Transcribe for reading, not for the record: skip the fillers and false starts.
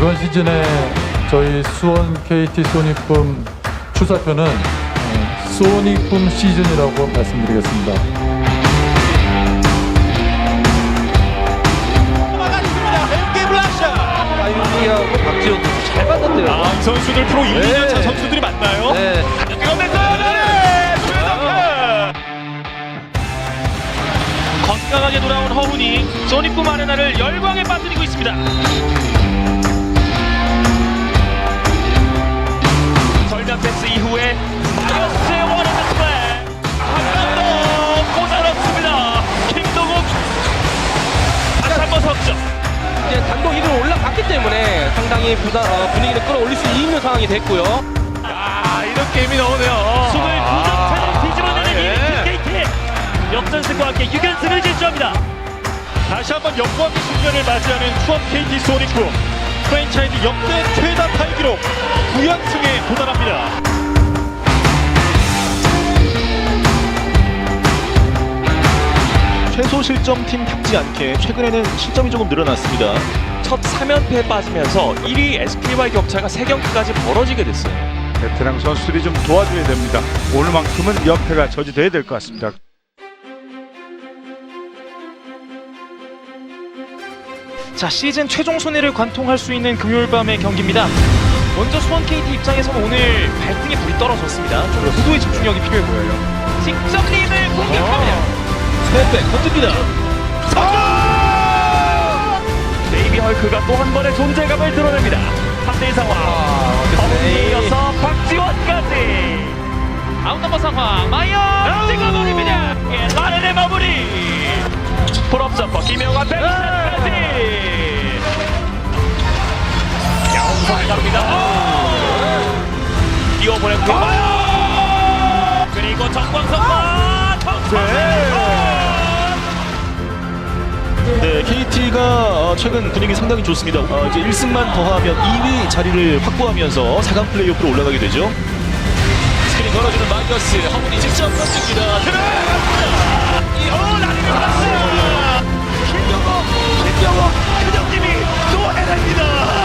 이번 시즌에 저희 수원 KT 소니품 출사표는 소니품 시즌이라고 말씀드리겠습니다. 막아줍니다. 엠게 블락샷. 아유리하고 박지원도 잘 봤는데요. 아, 선수들 프로 1, 2년 차 선수들이 맞나요? 네. 건강하게 돌아온 허훈이 소니품 아레나를 열광에 빠뜨리고 있습니다. 절벽 패스 이후에 마이어스의 원핸드 플레이 한 번 더 꽂아넣습니다. 김동욱 다시 한번 석점. 이제 단독 1위로 올라갔기 때문에 상당히 분위기를 끌어올릴 수 있는 상황이 됐고요. 아, 이런 게임이 나오네요. 29점차를 뒤집어내는 KT 역전승과 함께 6연승을 질주합니다. 다시 한번 역광의 순간을 맞이하는 수원 KT 소니품 프랜차이즈 역대 최다 타이 기록 9연승에 도달합니다. 최소 실점팀답지 않게 최근에는 실점이 조금 늘어났습니다. 첫 3연패에 빠지면서 1위 SK와의 격차가 3경기까지 벌어지게 됐어요. 베테랑 선수들이 좀 도와줘야 됩니다. 오늘만큼은 연패가 저지돼야 될 것 같습니다. 자, 시즌 최종 순위를 관통할 수 있는 금요일 밤의 경기입니다. 먼저 수원 KT 입장에서는 오늘 발등에 불이 떨어졌습니다. 좀 고도의 집중력이 필요해 보여요. 직접 리드를 공격합니다. 스텝백 건집니다. 베이비 헐크가 또 한 번의 존재감을 드러냅니다. 3대1 상황. 허훈이에 이어서 박지원까지. 아웃넘버 상황. 마이어 찍어버립니다. 예, 라렌의 마무리. 풀업 점퍼 김영환 백샷까지. 양홍석 갑니다. 뛰어보냈고. 그리고 정광석과 네, KT가 최근 분위기 상당히 좋습니다. 이제 1승만 더하면 2위 자리를 확보하면서 4강 플레이오프로 올라가게 되죠. 스크린 걸어주는 마이어스. 허훈이 직접 던집니다. 라렌을 받았어요. 김영호, 김정님이 또 해냅니다.